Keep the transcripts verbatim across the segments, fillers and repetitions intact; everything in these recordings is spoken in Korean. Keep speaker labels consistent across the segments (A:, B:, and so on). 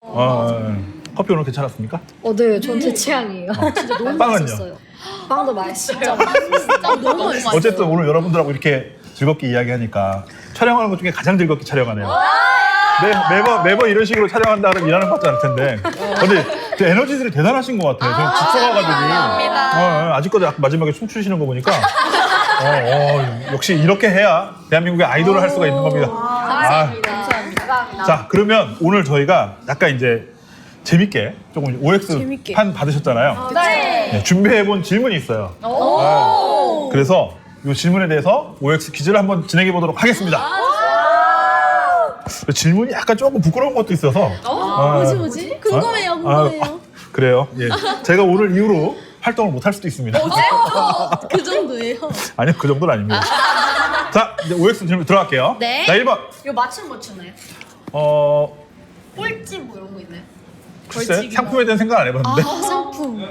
A: 어, 커피 오늘 괜찮았습니까?
B: 어, 네, 전 제 취향이에요.
C: 진짜 너무
A: 빵은요?
C: 맛있었어요.
B: 빵도 맛있어요.
C: 진짜 진짜 너무 맛있어요.
A: 어쨌든 오늘 여러분들하고 이렇게 즐겁게 이야기하니까 촬영하는 것 중에 가장 즐겁게 촬영하네요. 매, 매번 매번 이런 식으로 촬영한다 그러면 일하는 것 같지 않을 텐데. 근데 그 에너지들이 대단하신 것 같아요. 저는 집서가가지고 어, 어, 아직까지 아까 마지막에 춤추시는 거 보니까 어, 어, 역시 이렇게 해야 대한민국의 아이돌을 할 수가 있는 겁니다. 아,
B: 감사합니다.
A: 자, 그러면 오늘 저희가 약간 이제 재밌게 조금 오엑스
C: 재밌게.
A: 판 받으셨잖아요.
B: 네.
A: 네, 준비해본 질문이 있어요. 네, 그래서 이 질문에 대해서 오엑스 퀴즈를 한번 진행해 보도록 하겠습니다. 질문이 약간 조금 부끄러운 것도 있어서. 아,
C: 뭐지 뭐지? 궁금해요, 궁금해요.
A: 아, 아, 그래요. 예. 제가 오늘 이후로 활동을 못 할 수도 있습니다.
C: 그 정도예요.
A: 아니요, 그 정도는 아닙니다. 자, 이제 오엑스 질문 들어갈게요.
C: 네.
A: 자, 일 번.
B: 이거 맞춤 뭐 추나요?
A: 어,
B: 꼴찌 뭐 이런 거 있나요?
A: 글쎄, 상품에 대한 생각 안 해봤는데.
C: 아, 상품.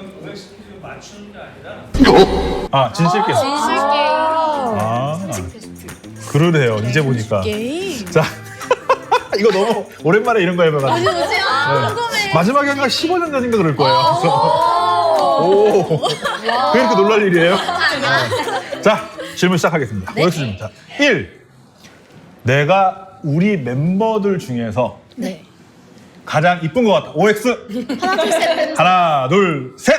A: 아, 진실 게임.
B: 진실 게임.
A: 아, 그러네요. 이제 보니까.
C: 게임.
A: 자, 이거 너무 오랜만에 이런 거 해봐가지고.
C: 뭐지? 아, 궁금해.
A: 마지막에 한가 십오 년 전인가 그럴 거예요. 그래서 오, 왜 이렇게 놀랄 일이에요? 네. 자, 질문 시작하겠습니다. 오엑스 질문. 자, 일. 내가 우리 멤버들 중에서
C: 네.
A: 가장 이쁜 것 같다. 오엑스.
C: 하나 둘 셋.
A: 하나, 둘, 셋.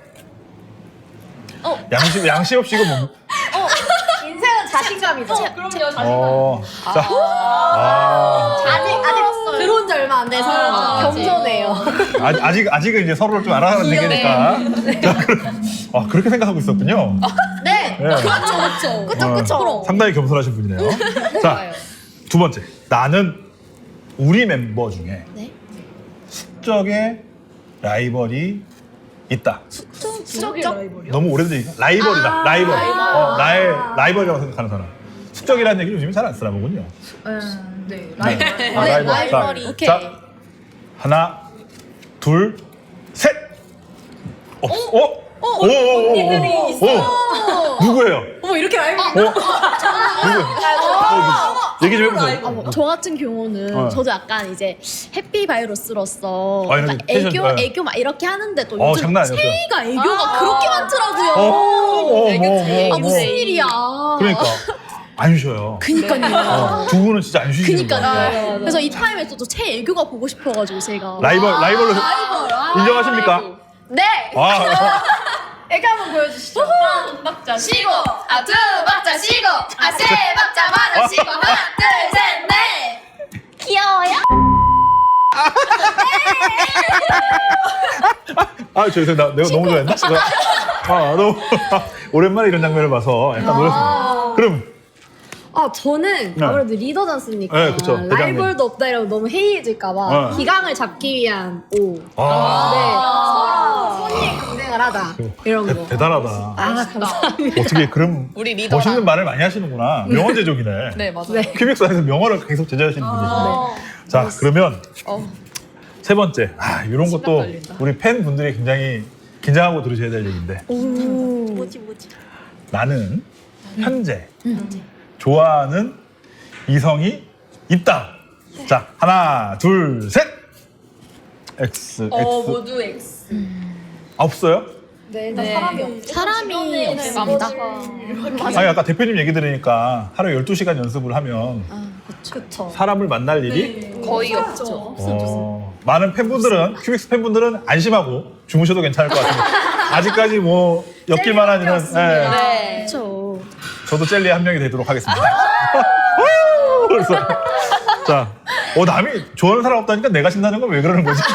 C: 어.
A: 양심, 양심 없이 이거 뭐.
B: 인생은 자신감이죠.
D: 그럼요, 자신감.
A: 어, 자. 아.
B: 아직 아직 들어온 지 얼마 안 돼서
C: 아,
B: 겸손해요.
A: 아직, 아직, 아직은 이제 서로를 좀 알아가는 단계니까. 자, 그럼- 아, 그렇게 생각하고 있었군요.
B: 네.
A: 네.
C: 그렇죠, 그렇죠.
B: 그쵸 그쵸.
A: 어, 상당히 겸손하신 분이네요. 자, 두 번째. 나는 우리 멤버 중에
C: 네.
A: 숙적의 라이벌이 있다.
C: 수적이 라이벌이요?
A: 너무 오래된 얘기가 라이벌이다. 라이벌. 어, 나의 라이벌이라고 생각하는 사람. 숙적이라는 얘기 요즘에 잘 안 쓰나 보군요.
B: 네.
A: 네.
B: 라이벌.
A: 아,
C: 네,
A: 라이벌.
C: 라이벌이.
A: 자,
C: 오케이.
A: 자, 하나, 둘, 셋. 어, 어, 어, 오, 오, 오, 오, 오, 누구예요?
B: 어머 이렇게 라이벌.
A: 어, 누구? 어, 얘기 좀 해보세요.
C: 아, 뭐, 저 같은 경우는
A: 어.
C: 저도 약간 이제 해피 바이러스로서
A: 아, 이런
C: 딱
A: 패션,
C: 애교
A: 네.
C: 애교 막 이렇게 하는데 또
A: 어,
C: 요즘
A: 장난 아니었어요.
C: 체이가 애교가 그렇게 많더라고요.
A: 어, 어, 어,
C: 아 무슨 일이야?
A: 그러니까 안 쉬어요.
C: 그니까요.
A: 어, 두 분은 진짜 안 쉬시는 거예요.
C: 그니까요. 그래서 이 타임에서 또 체 애교가 보고 싶어가지고 제가
A: 라이벌, 라이벌로
C: 라이벌.
A: 인정하십니까?
B: 네.
A: 아,
B: 애교 한번 보여주시죠.
D: 한 박자 쉬고, 아, 두 박자 쉬고, 아, 세 박자 마저 쉬고, 하나, 둘, 셋, 넷.
C: 귀여워요?
A: 아, 죄송합니다. 내가 너무 좋아했나? 이거. 아, 너무 오랜만에 이런 장면을 봐서 약간 놀랐습니다. 그럼
B: 아 저는
A: 네.
B: 아무래도 리더지 않습니까?
A: 네, 그쵸. 대장님.
B: 라이벌도 없다 이러면 너무 해이해질까봐
A: 네.
B: 기강을 잡기 위한 오.
A: 아,
B: 네. 서로 손이 경쟁을 하다 이런
A: 대,
B: 거.
A: 대단하다.
B: 아 감사합니다.
A: 어떻게 그런
D: 우리 리더랑.
A: 멋있는 말을 많이 하시는구나. 명언 제조기네.
D: 네, 맞아요.
B: 네.
A: 큐빅스 안에서 명언을 계속 제조하시는 분이시네. 자, 그러면
D: 어.
A: 세 번째. 아, 이런 것도
D: 떨린다.
A: 우리 팬분들이 굉장히 긴장하고 들으셔야 될 얘기인데.
C: 뭐지 뭐지?
A: 나는 현재 좋아하는 이성이 있다. 자, 하나, 둘, 셋. X, X.
D: 어, 모두 X.
A: 아, 없어요?
B: 네,
D: 네.
B: 사람이 없죠.
C: 사람이 없습니다.
A: 아니, 아까 대표님 얘기 들으니까 하루에 열두 시간 연습을 하면
C: 아,
B: 그쵸.
A: 사람을 만날 일이
D: 거의 없죠.
A: 어, 많은 팬분들은, 큐빅스 팬분들은 안심하고 주무셔도 괜찮을 것 같습니다. 아직까지 뭐 엮일만한 일은 예,
D: 네.
C: 그렇죠.
A: 저도 젤리의 한 명이 되도록 하겠습니다. 그래서 자, 어, 남이 좋아하는 사람 없다니까 내가 신나는 건 왜 그러는 거지?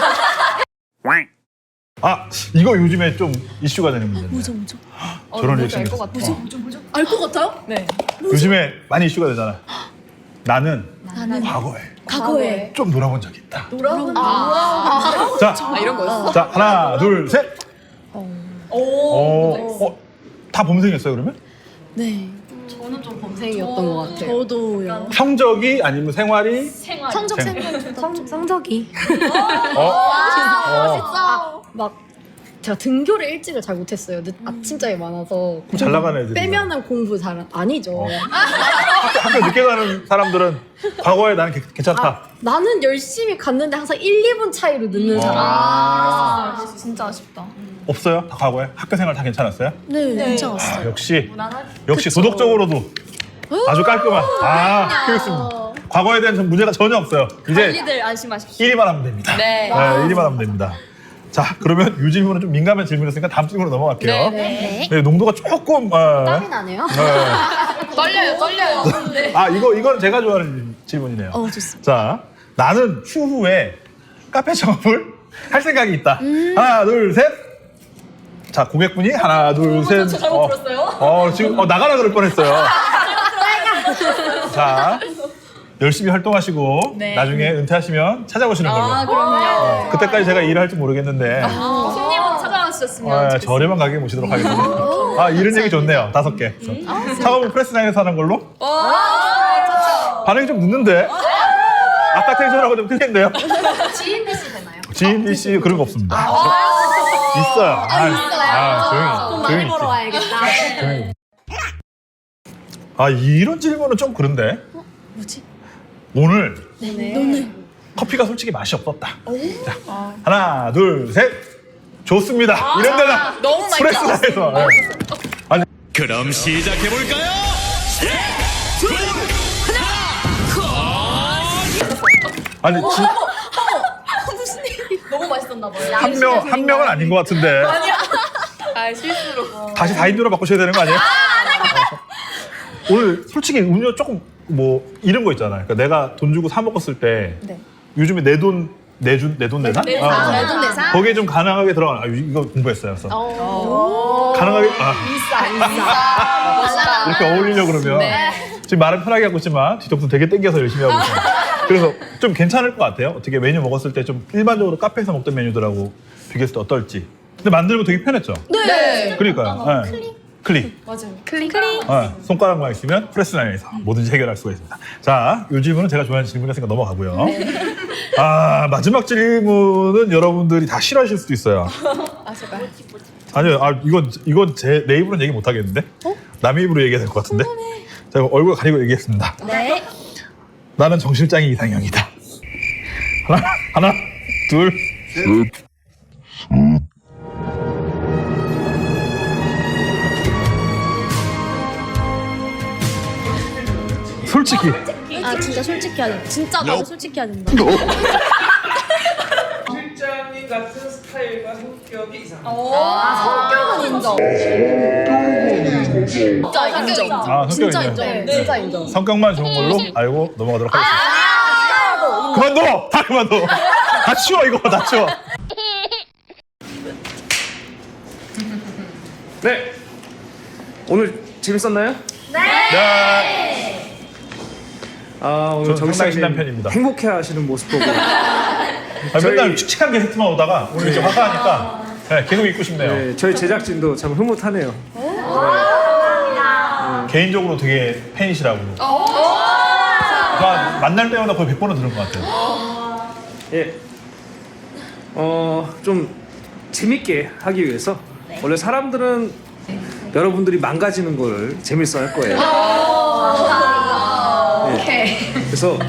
A: 아, 이거 요즘에 좀 이슈가 되는 문제인데.
C: 뭐죠 뭐죠?
A: 저런 일
D: 알것
A: 생겼어.
D: 같아요.
C: 알 것 같아요?
D: 네.
A: 요즘에 많이 이슈가 되잖아. 나는
C: 나는
A: 과거에
C: 과거에
A: 좀 놀아본 적이 있다.
C: 놀아본
A: 자,
D: 아, 이런 거였어?
A: 자, 하나, 둘, 셋.
D: 오.
A: 어, 어, 다 범생이었어요, 그러면?
C: 네.
B: 저는 좀 범생이었던 것 같아요.
C: 저도요.
A: 성적이 아니면 생활이?
D: 생활.
C: 성적
A: 생-
C: 생각
B: 성, 성적이
A: 어? 어.
B: 아, 막 제가 등교를 일찍을 잘 못했어요. 늦, 아침잠이 많아서
A: 잘 나가는 애들이
B: 빼면은 공부 잘 아니죠.
A: 학교, 학교 늦게 가는 사람들은 과거에 나는 개- 괜찮다.
B: 아, 나는 열심히 갔는데 항상 일, 이 분 차이로 늦는 사람.
C: 아, 진짜 아쉽다.
A: 없어요? 다 과거에? 학교 생활 다 괜찮았어요?
B: 네,
A: 아,
B: 괜찮았어요.
A: 역시 역시 도덕적으로도 아주 깔끔한 아 그렇습니다. 과거에 대한 전 문제가 전혀 없어요. 이제
C: 관리들 안심하십시오.
A: 일 위만 하면 됩니다.
C: 네.
A: 네, 일 위만 하면 됩니다. 자, 그러면 이 질문은 좀 민감한 질문이었으니까 다음 질문으로 넘어갈게요.
C: 네.
A: 네, 농도가 조금 어,
B: 땀이 나네요.
A: 네.
C: 떨려요, 떨려요. 네.
A: 아 이거 이건 제가 좋아하는 질문이네요.
B: 어, 좋습니다.
A: 자, 나는 추후에 카페 창업을 할 생각이 있다.
B: 음.
A: 하나, 둘, 셋. 자, 고객분이 하나, 둘, 셋.
C: 저 잘못 들었어요?
A: 어, 지금 어, 나가라 그럴 뻔했어요. 자, 열심히 활동하시고
C: 네.
A: 나중에 은퇴하시면 찾아오시는 걸로.
C: 아, 그럼요.
A: 그때까지 제가 일을 할지 모르겠는데
C: 아, 손님은 찾아주셨으면
A: 어,
C: 좋겠어요.
A: 저렴한 가격에 모시도록 하겠습니다. 아, 이런 얘기 좋네요. 다섯 개. 창업은 프레스나인에서 하는 걸로. 반응이 좀 늦는데. 아까 텐션하고 좀 틀린데요.
B: 지인 대시 되나요?
A: 지인 B 씨 그런 거 없습니다. 있어요. 아, 아,
B: 돈
A: 조용히,
B: 많이
A: 조용히
B: 벌어
A: 있지.
B: 와야겠다.
A: 조용히. 아, 이런 질문은 좀 그런데.
B: 뭐지?
A: 오늘
B: 네.
A: 커피가 솔직히 맛이 없었다. 자, 하나, 둘, 셋. 좋습니다. 이런 데다
C: 너무 많이
A: 프레스나에서. 네. 아니,
E: 그럼 시작해볼까요?
A: 아니 지,
C: 무슨 일? 너무 맛있었나 봐요.
A: 한 명, 한 명은 아닌 것 같은데.
C: 아, 실수로.
A: 다시 다인으로 바꾸셔야 되는 거 아니에요? 어. 오늘 솔직히 음료 조금 뭐 이런 거 있잖아요. 그러니까 내가 돈 주고 사 먹었을 때
B: 네.
A: 요즘에 내 돈 내준 내 돈 내산?
C: 내산.
A: 아,
C: 내
B: 돈 내산?
A: 거기에 좀 가능하게 들어가. 아, 이거 공부했어요. 그래서
B: 오.
A: 가능하게 아,
B: 인싸, 인싸.
C: 멋있다.
A: 이렇게 어울리려 고 그러면
C: 네.
A: 지금 말은 편하게 하고 있지만 뒤통수 되게 땡겨서 열심히 하고 있어요. 그래서 좀 괜찮을 것 같아요. 어떻게 메뉴 먹었을 때 좀 일반적으로 카페에서 먹던 메뉴들하고 비교했을 때 어떨지. 근데 만들고 되게 편했죠.
C: 네.
A: 그러니까요. 네. 클릭. 클릭.
C: 맞아요. 클릭. 클릭.
A: 네, 손가락만 있으면 프레스나인에서 뭐든지 해결할 수가 있습니다. 자, 이 질문은 제가 좋아하는 질문이니까 넘어가고요. 아, 마지막 질문은 여러분들이 다 싫어하실 수도 있어요.
C: 아, 제발.
A: 아니요, 아, 이건, 이건 제, 내 입으로는 얘기 못 하겠는데? 남의 입으로 얘기해야 될 것 같은데? 자, 얼굴 가리고 얘기했습니다.
C: 네.
A: 나는 정 실장이 이상형이다. 하나, 하나, 둘, 셋. 솔직히.
B: 아, 진짜 솔직히 해야 돼. 진짜 나도 솔직히 해야 된다.
F: 실장님 같은 스타일과 성격이 이상.
B: 성격은 인정.
C: 진짜 인정.
A: 아, 성격
B: 진짜
A: 인정.
B: 인정. 네. 진짜 인정.
A: 성격만 좋은 걸로 알고 넘어가도록 하겠습니다. 그만둬! 다 그만둬! 다 치워, 이거 다 치워.
F: 네. 오늘 재밌었나요?
A: 네.
F: 아 오늘
A: 저는
F: 정
A: 상당히
F: 실장님
A: 신난 편입니다.
F: 행복해하시는 모습 보고
A: 아,
F: 저희-
A: 맨날 칙칙한 게스트만 오다가 오늘 이제 화사하니까 네, 계속 입고 싶네요.
F: 네, 저희 제작진도 참 흐뭇하네요.
A: 개인적으로 되게 팬이시라고. 아, 만날 때마다 거의 백 번은 들은 것 같아요.
F: 예. 어, 좀 재밌게 하기 위해서 원래 사람들은 여러분들이 망가지는 걸 재밌어 할 거예요. 예. 그래서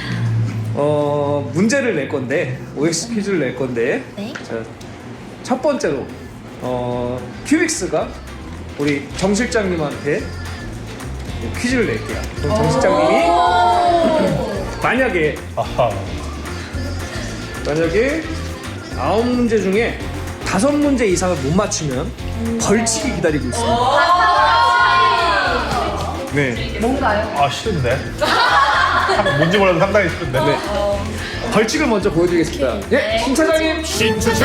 F: 어, 문제를 낼 건데 오엑스 퀴즈를 낼 건데 자, 첫 번째로 어, 큐빅스가 우리 정 실장님한테 퀴즈를 낼게요. 그럼 정 실장님이 만약에
A: 아하.
F: 만약에 아홉 문제 중에 다섯 문제 이상을 못 맞추면 벌칙이 기다리고 있습니다. 네.
A: 아, 싫은데? 상- 뭔지 몰라도 상당히 싫은데. 네.
F: 벌칙을 먼저 보여드리겠습니다. 예, 신 차장님. 신 차장.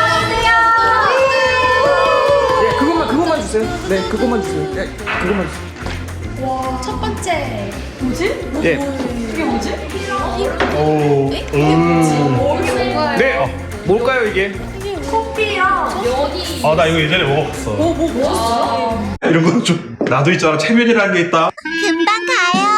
F: 예, 그것만 그것만 주세요. 네, 그것만 주세요. 예, 그것만 주세요.
C: 첫 번째. 뭐지?
F: 예.
C: 이게 뭐지?
A: 오, 음.
C: 이게 뭔가요?
F: 네. 어, 뭘까요 이게?
C: 커피랑 여기.
A: 아, 나 이거 예전에 먹어봤어.
C: 뭐, 뭐, 뭐?
A: 이런 건 좀, 나도 있잖아. 체면이라는 게 있다.
G: 금방 가요.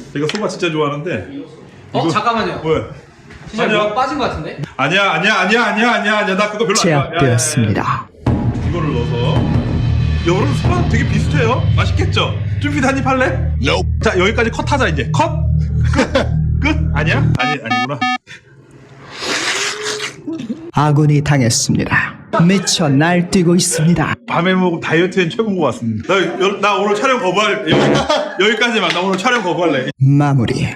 A: 제가 소바 진짜 좋아하는데.
F: 어 잠깐만요.
A: 왜?
F: 진짜
A: 아니야.
F: 뭐가 빠진 것 같은데?
A: 아니야, 아니야, 아니야, 아니야, 아니야, 아니야. 나 그거 별로 안 좋아. 야, 야, 야, 야.
G: 제압되었습니다.
A: 이거를 넣어서. 여러분 소바 되게 비슷해요. 맛있겠죠? 쭈피드 한입 할래?
E: Nope.
A: 자, 여기까지 컷하자 이제. 컷. 끝. 끝. 아니야? 아니 아니구나.
G: 아군이 당했습니다. 미쳐 날뛰고 있습니다.
A: 밤에 먹으면 다이어트엔 최고인 것 같습니다. 나, 여- 나 오늘 촬영 거부할 여기, 여기까지만. 나 오늘 촬영 거부할래.
G: 마무리.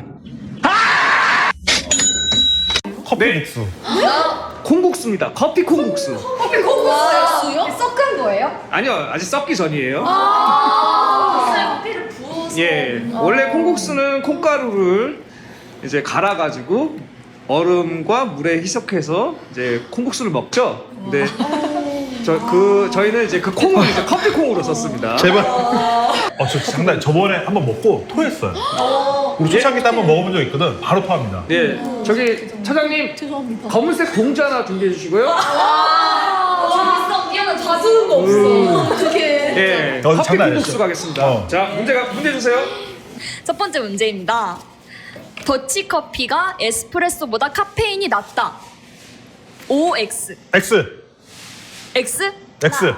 A: 커피 국수.
F: 콩국수입니다. 커피 콩국수.
B: 수요? 섞은 거예요?
F: 아니요, 아직 썩기 전이에요.
D: 커피를 부어서.
F: 예, 원래 콩국수는 콩가루를 이제 갈아가지고 얼음과 물에 희석해서 이제 콩국수를 먹죠. 근데 저 그 저희는 이제 그 콩을 이제 커피 콩으로 썼습니다.
A: 제발. 어, 저 장난. 저번에 한번 먹고 토했어요. 우리 초창기 때 한번 먹어본 적 있거든. 바로 토합니다.
F: 예, 저기 차장님
C: 죄송합니다.
F: 검은색 봉지 하나 준비해 주시고요.
D: 재밌어. 미안해. 다 주는 거 없어.
C: 어떻게?
F: 예,
A: 어,
F: 커피
A: 장난
F: 콩국수
A: 아니었죠?
F: 가겠습니다.
A: 어.
F: 자, 문제가 문제 주세요.
C: 첫 번째 문제입니다. 더치커피가 에스프레소보다 카페인이 낮다. 오 엑스.
A: X.
C: X?
A: X.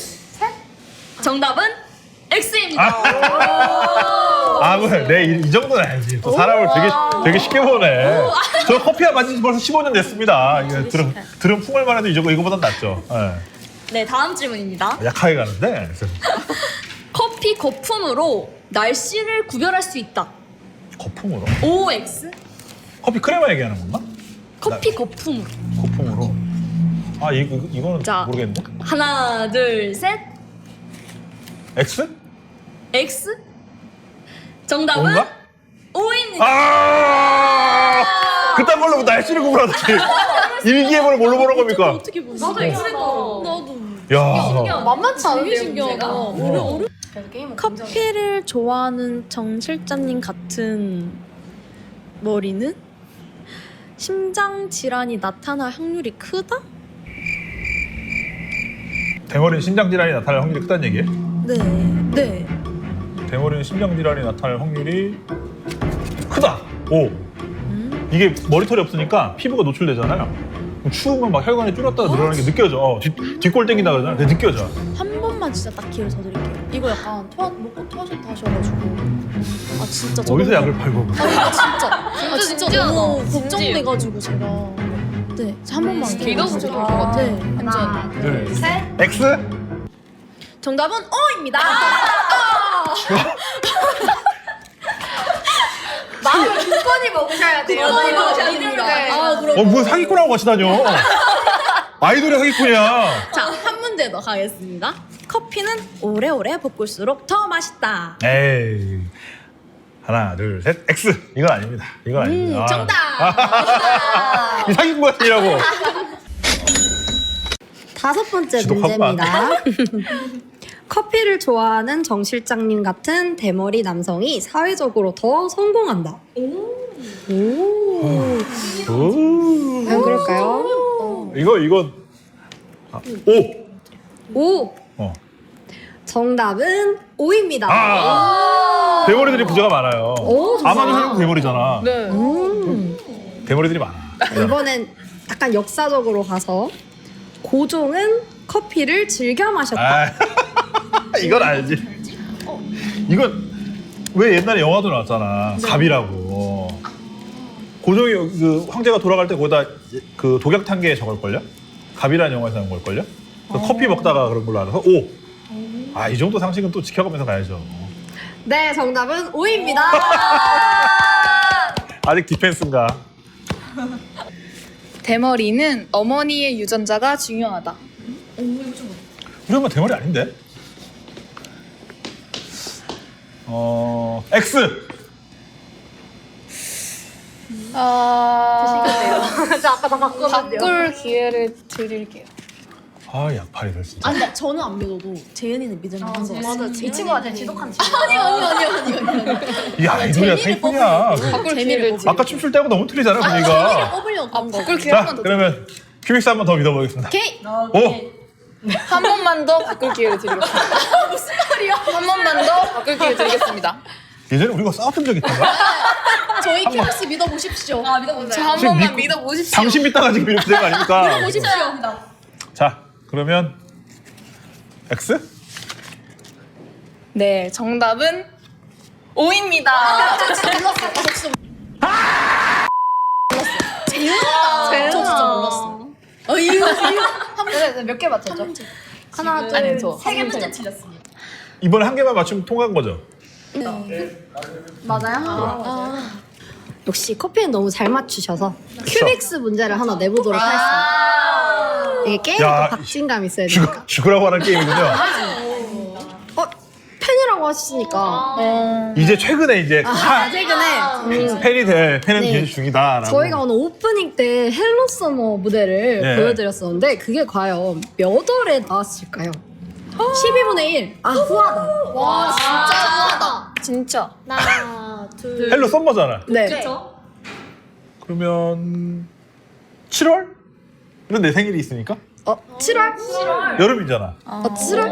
C: 정답은 X입니다.
A: 아, 왜? 내 이 정도는 알지. 또 사람을 되게 되게 쉽게 보네. 저 커피야 마신 지 벌써 십오 년 됐습니다. 이게 들은 들은 풍월만 해도 이거 이거보단 낫죠. 예.
C: 네, 다음 질문입니다.
A: 약하게 가는데. 그래서
C: 커피 거품으로 날씨를 구별할 수 있다.
A: 거품으로.
C: 오 엑스?
A: 커피 크레마 얘기하는 건가?
C: 커피 거품으로.
A: 거품으로. 아, 이, 이 이거는
C: 자.
A: 모르겠는데.
C: 하나, 둘, 셋.
A: X?
C: X? 정답은
A: 뭔가?
C: O입니다.
A: 아! 그딴 걸로 날씨를 구분하다니. 일기예보를 뭘로 보는 겁니까?
C: 어떻게 보세요?
D: 나도 X인 거.
C: 나도.
A: 야.
B: 만만치 않은데요,
C: 되게 신기하다.
B: 문제가?
A: 어.
C: 커피를 좋아하는 정 실장님 같은 머리는 심장 질환이 나타날 확률이 크다?
A: 대머리는 심장 질환이 나타날 확률이 크다는 얘기예요?
C: 네. 네.
A: 대머리는 심장 질환이 나타날 확률이 크다. 오. 이게 머리털이 없으니까 피부가 노출되잖아요. 그럼 추우면 막 혈관이 줄었다가 늘어나는 게 느껴져. 어, 뒤, 뒷골 땡긴다 그러잖아. 그게 느껴져.
C: 한 번만 진짜 딱 기회를 더 드릴게요. 이거 약간 토하, 먹고 토하셨다 하셔가지고 아 진짜 저
A: 어디서
C: 너무-
A: 약을 팔고.
C: 아 이거 진짜 아 진짜
D: 진지하다.
C: 너무
D: 진지해.
C: 걱정돼가지고 제가 네, 한 번만
D: 믿어보셔도
C: 기회를
D: 될것 같아.
C: 네.
D: 하나, 둘, 셋.
A: X?
C: 정답은 O입니다.
B: 마음을 굳건히 먹으셔야 돼요.
C: 굳건히
B: 네.
C: 먹으셔야
B: 네.
C: 됩니다.
B: 네.
C: 아 그럼
A: 어, 무슨 사기꾼하고 같이 다녀. 아이돌의 사기꾼이야.
C: 자, 한 문제 더 가겠습니다. 커피는 오래오래 볶을수록 더 맛있다.
A: 에이. 하나, 둘, 셋. X. 이건 아닙니다. 이건 아닙니다.
C: 음,
A: 아.
C: 정답.
A: 이 사기꾼 같으냐고.
B: 다섯 번째
A: 지독하구만.
B: 문제입니다. 커피를 좋아하는 정 실장님 같은 대머리 남성이 사회적으로 더 성공한다.
A: 오.
B: 과연 그럴까요?
A: 이거, 이거. 아, 오.
B: 오!
A: 어.
B: 정답은 O입니다.
A: 아. 대머리들이 부자가 많아요.
B: 오, 좋다.
A: 아마도 형님 대머리잖아.
C: 네.
B: 음.
A: 대머리들이 많아.
B: 이번엔 약간 역사적으로 가서 고종은 커피를 즐겨 마셨다.
A: 아, 이건 알지. 이건 왜 옛날에 영화도 나왔잖아. 갑이라고. 고종이 그 황제가 돌아갈 때 거기다 그 독약탄계에 적을걸요? 갑이라는 영화에서 나온 걸걸요? 그 커피 먹다가 그런 걸로 알아서 오. 아, 이 정도 상식은 또 지켜가면서 가야죠.
B: 네, 정답은 O입니다.
A: 아직 디펜스인가?
D: 대머리는 어머니의 유전자가 중요하다.
A: 우리 엄마 대머리 아닌데? 어, X.
D: 아,
B: 저 아까 다 바꿨는데요.
D: 바꿀 기회를 드릴게요.
A: 아, 약팔이들 진짜.
C: 아, 근데 저는 안 믿어도 재현이는 믿을 만한 거 같아요.
B: 맞아, 이 친구가 제일 지독한 친구.
C: 아니요, 아니요, 아니요, 아니요, 아니요.
A: 이 아이돌이야, 사기꾼이야.
D: 바꿀
C: 재미를
D: 기회를
C: 뽑을
A: 아까 춤출 때하고 너무 틀리잖아, 분위기가.
C: 뽑으려고
D: 아,
C: 한 거.
D: 바꿀 기회 한
A: 자,
D: 번 더.
A: 그러면 큐빅스 한 번 더 믿어보겠습니다.
C: 오케이.
A: 오!
D: 한 번만 더 바꿀 기회를 드리겠습니다. 무슨 말이야? 한 번만 더 바꿀 기회 드리겠습니다.
A: 예전에 우리가 싸웠던 적 있던가?
C: 저희 큐빅스 믿어보십시오.
D: 아 믿어보세요.
C: 저 한
A: 지금
C: 번만
A: 믿고-
C: 믿어보십시오.
A: 당신 믿다가 지금 이렇게 된 거 아닙니까?
C: 보십시오.
A: 자, 그러면 X?
C: 네, 정답은 오입니다.
D: 저 진짜 몰랐어. 아, 저 진짜
C: 재현아.
D: 저 진짜 몰랐어.
C: 어, 이유, 이유.
D: 몇개 맞췄죠?
B: 하나,
C: 아니,
B: 둘,
C: 저.
D: 세 개 문제 틀렸습니다.
A: 이번에 한 개만 맞추면 통과한 거죠?
B: 맞아요? 역시 커피는 너무 잘 맞추셔서 큐빅스 문제를 하나 내보도록 하겠습니다. 이게 게임도
A: 야,
B: 박진감 있어야
A: 죽,
B: 되니까.
A: 죽으라고 하는 게임이군요.
B: 어, 팬이라고 하시니까
A: 이제 최근에 이제
B: 아, 최근에 음,
A: 팬이 돼, 팬은
B: 네.
A: 네. 중이다라고.
B: 저희가 오늘 오프닝 때 헬로 서머 무대를
A: 네.
B: 보여드렸었는데 그게 과연 몇 월에 나왔을까요? 십이 분의 일. 아, 후하다.
D: 와 진짜 후하다.
C: 진짜.
B: 하나, 둘.
A: 헬로 썸머잖아.
B: 네.
A: 그러면 칠월? 이건 내 생일이 있으니까?
B: 어, 칠월?
A: 여름이잖아.
B: 어, 칠월?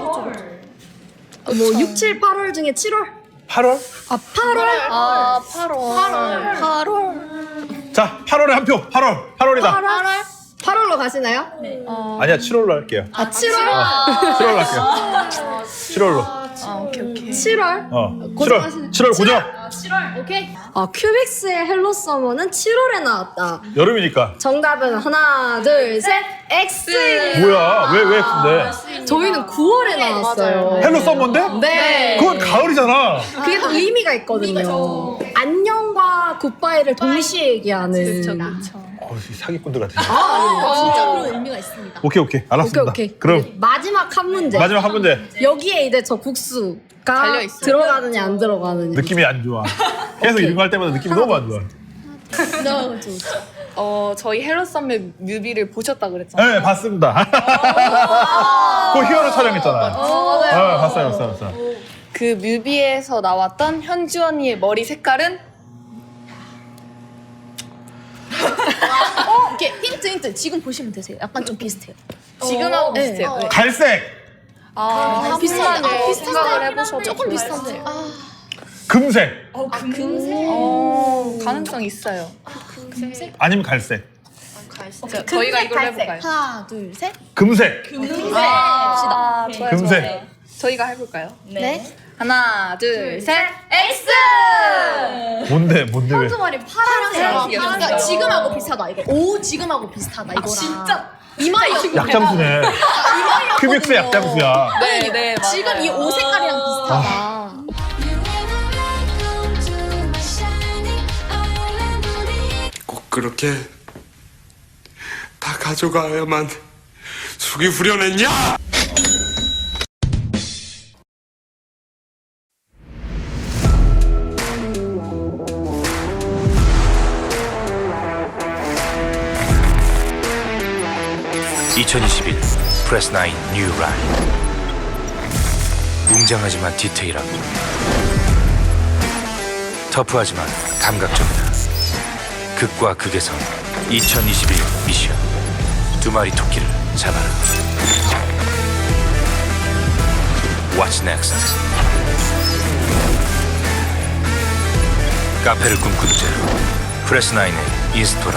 B: 어, 뭐 육, 칠, 팔월 중에 칠월?
A: 팔월?
B: 아, 팔월?
C: 아, 팔월. 팔월.
A: 자, 팔월에 한 표. 팔월. 팔월이다.
B: 팔월? 팔월로 가시나요?
A: 아니야, 칠월로 할게요.
B: 아, 칠월?
A: 칠월로 할게요. 칠월로.
C: 아, 오케이, 오케이.
B: 칠월?
A: 어.
B: 고정하시네.
A: 칠월. 칠월 고정.
B: 아, 큐빅스의 헬로 서머는 칠월에 나왔다.
A: 여름이니까.
B: 정답은 하나, 둘, 셋, X!
A: 뭐야? 왜, 왜 X인데?
B: 저희는 구월에 나왔어요.
A: 헬로 썸머인데?
B: 네.
A: 그건 가을이잖아.
B: 그게 또 의미가 있거든요. 안녕과 굿바이를 동시에 얘기하는.
C: 그쵸, 그쵸.
A: 어, 이 사기꾼들 같아.
B: 아,
D: 진짜 그런 의미가 있습니다.
A: 오케이, 오케이. 알았습니다.
B: 오케이, 오케이.
A: 그럼
B: 마지막 한 문제.
A: 마지막 한 문제.
B: 여기에 이제 저 국수가
C: 달려있어요.
B: 들어가느냐 안 들어가느냐.
A: 느낌이 안 좋아. 계속 이런 거 할 때마다 느낌이 너무 안 좋아.
C: 어, 저희 헬로 썸머 뮤비를 보셨다 그랬잖아요.
A: 네, 봤습니다. 그 히어로 촬영했잖아요. 네, 봤어요, 봤어요, 봤어요.
C: 그 뮤비에서 나왔던 현주 언니의 머리 색깔은
D: 어, 오케이 힌트 힌트. 지금 보시면 되세요. 약간 좀 비슷해요.
C: 지금하고
D: 네.
C: 비슷해요. 네.
A: 갈색,
C: 아,
D: 비슷한데. 아, 비슷한데.
C: 생각을 해보셔도
D: 조금 비슷한데. 아,
A: 금색,
C: 어, 가능성 있어요.
A: 아니면 갈색.
C: 자, 저희가 이걸 해볼까요?
D: 하나 둘 셋.
A: 금색,
C: 아, 좋아요,
A: 금색.
C: 좋아요. 저희가 해볼까요?
D: 네.
C: 하나, 둘, 셋.
D: X.
A: 뭔데, 뭔데 왜?
B: 머리 파란색.
D: 아,
C: 이게
D: 그러니까
C: 진짜.
D: 지금하고 비슷하다 이거. 오 지금하고 비슷하다 이거랑. 진짜. 이마이었거든요.
A: 약장수네. 큐빅스 약장수야.
C: 네, 네, 맞아요.
D: 지금 이 옷 색깔이랑 비슷하다.
H: 꼭 그렇게 다 가져가야만 속이 후련했냐?
I: 이천이십일 프레스나인 뉴 라인. 웅장하지만 디테일하고 터프하지만 감각적이다. 극과 극에서 이천이십일 미션. 두 마리 토끼를 잡아라. What's next? 카페를 꿈꾸는 자 프레스나인의 인스토라.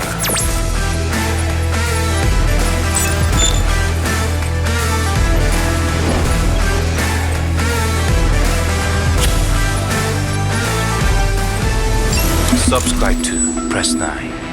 I: Subscribe to Press nine.